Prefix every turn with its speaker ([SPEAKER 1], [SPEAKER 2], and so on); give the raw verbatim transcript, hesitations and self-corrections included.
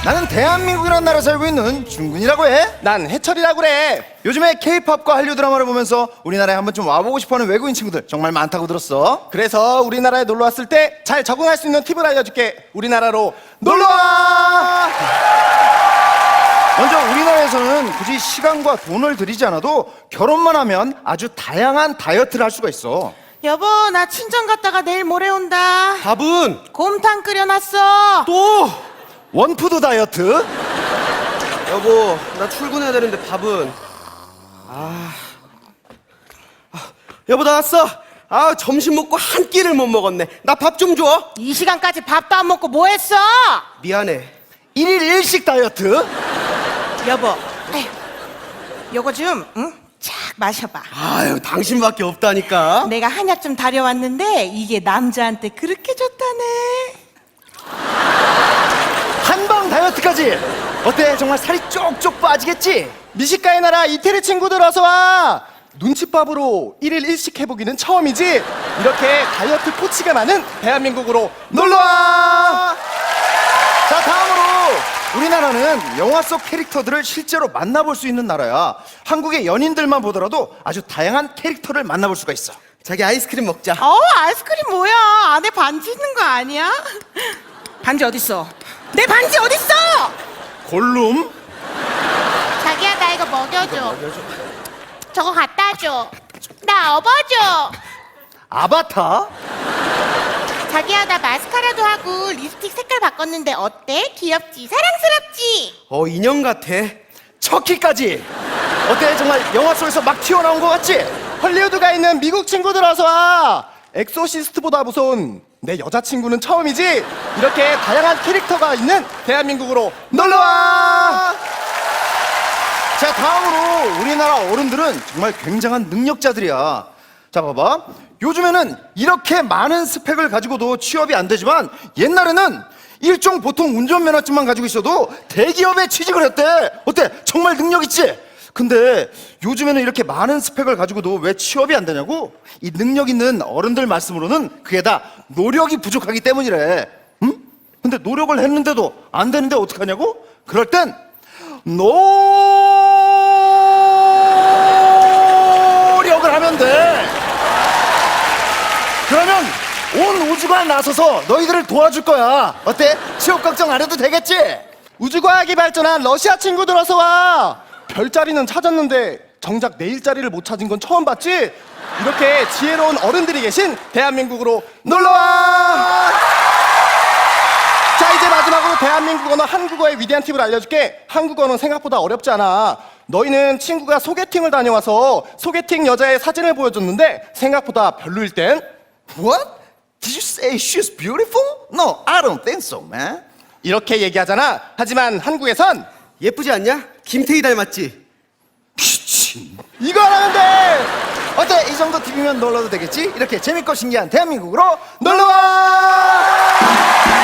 [SPEAKER 1] 나는 대한민국이라는 나라에 살고 있는 준근이라고 해.
[SPEAKER 2] 난 해철이라고 그래.
[SPEAKER 1] 요즘에 케이팝과 한류 드라마를 보면서 우리나라에 한번 좀 와보고 싶어하는 외국인 친구들 정말 많다고 들었어.
[SPEAKER 2] 그래서 우리나라에 놀러 왔을 때 잘 적응할 수 있는 팁을 알려줄게. 우리나라로 놀러와.
[SPEAKER 1] 먼저 우리나라에서는 굳이 시간과 돈을 들이지 않아도 결혼만 하면 아주 다양한 다이어트를 할 수가 있어.
[SPEAKER 3] 여보, 나 친정 갔다가 내일 모레 온다.
[SPEAKER 2] 밥은
[SPEAKER 3] 곰탕 끓여놨어.
[SPEAKER 2] 또
[SPEAKER 1] 원푸드 다이어트.
[SPEAKER 4] 여보, 나 출근해야 되는데 밥은. 아, 아 여보 나 왔어. 아, 점심 먹고 한 끼를 못 먹었네. 나 밥 좀 줘.
[SPEAKER 3] 이 시간까지 밥도 안 먹고 뭐 했어?
[SPEAKER 4] 미안해.
[SPEAKER 1] 일일 일식 다이어트.
[SPEAKER 3] 여보, 에휴, 요거 좀, 응? 착 마셔봐.
[SPEAKER 4] 아유, 당신밖에 없다니까.
[SPEAKER 3] 내가 한약 좀 다려왔는데 이게 남자한테 그렇게 좋다네.
[SPEAKER 1] 한방 다이어트까지. 어때? 정말 살이 쪽쪽 빠지겠지?
[SPEAKER 2] 미식가의 나라 이태리 친구들 어서 와. 눈칫밥으로 일일 일식 해보기는 처음이지. 이렇게 다이어트 코치가 많은 대한민국으로 놀러와.
[SPEAKER 1] 자, 다음으로 우리나라는 영화 속 캐릭터들을 실제로 만나볼 수 있는 나라야. 한국의 연인들만 보더라도 아주 다양한 캐릭터를 만나볼 수가 있어.
[SPEAKER 4] 자기 아이스크림 먹자.
[SPEAKER 3] 어, 아이스크림 뭐야? 안에 반지 있는 거 아니야? 반지 어딨어? 내 반지 어딨어?
[SPEAKER 1] 골룸.
[SPEAKER 5] 자기야, 나 이거 먹여줘. 저거 갖다 줘. 나 업어줘.
[SPEAKER 1] 아바타.
[SPEAKER 5] 자기야, 나 마스카라도 하고 립스틱 색깔 바꿨는데 어때? 귀엽지? 사랑스럽지?
[SPEAKER 4] 어, 인형 같아.
[SPEAKER 1] 척키까지. 어때? 정말 영화 속에서 막 튀어나온 것 같지?
[SPEAKER 2] 헐리우드가 있는 미국 친구들 어서 와. 엑소시스트보다 무서운 내 여자친구는 처음이지. 이렇게 다양한 캐릭터가 있는 대한민국으로 놀러와.
[SPEAKER 1] 자, 다음으로 우리나라 어른들은 정말 굉장한 능력자들이야. 자, 봐봐. 요즘에는 이렇게 많은 스펙을 가지고도 취업이 안 되지만 옛날에는 일종 보통 운전면허증만 가지고 있어도 대기업에 취직을 했대. 어때? 정말 능력 있지? 근데 요즘에는 이렇게 많은 스펙을 가지고도 왜 취업이 안 되냐고? 이 능력 있는 어른들 말씀으로는 그게 다 노력이 부족하기 때문이래. 응? 근데 노력을 했는데도 안 되는데 어떡하냐고? 그럴 땐 노력을 하면 돼. 그러면 온 우주가 나서서 너희들을 도와줄 거야. 어때? 취업 걱정 안 해도 되겠지?
[SPEAKER 2] 우주과학이 발전한 러시아 친구들 어서 와. 별자리는 찾았는데 정작 내 일자리를 못 찾은 건 처음 봤지? 이렇게 지혜로운 어른들이 계신 대한민국으로 놀러와. 자, 이제 마지막으로 대한민국 언어 한국어의 위대한 팁을 알려줄게. 한국어는 생각보다 어렵지 않아. 너희는 친구가 소개팅을 다녀와서 소개팅 여자의 사진을 보여줬는데 생각보다 별로일 땐
[SPEAKER 1] What? Did you say she's beautiful? No, I don't think so, man.
[SPEAKER 2] 이렇게 얘기하잖아. 하지만 한국에선
[SPEAKER 4] 예쁘지 않냐? 김태희 닮았지?
[SPEAKER 1] 미친.
[SPEAKER 2] 이거 하면 돼.
[SPEAKER 1] 어때? 이 정도 팁이면 놀러도 되겠지? 이렇게 재밌고 신기한 대한민국으로 놀러와!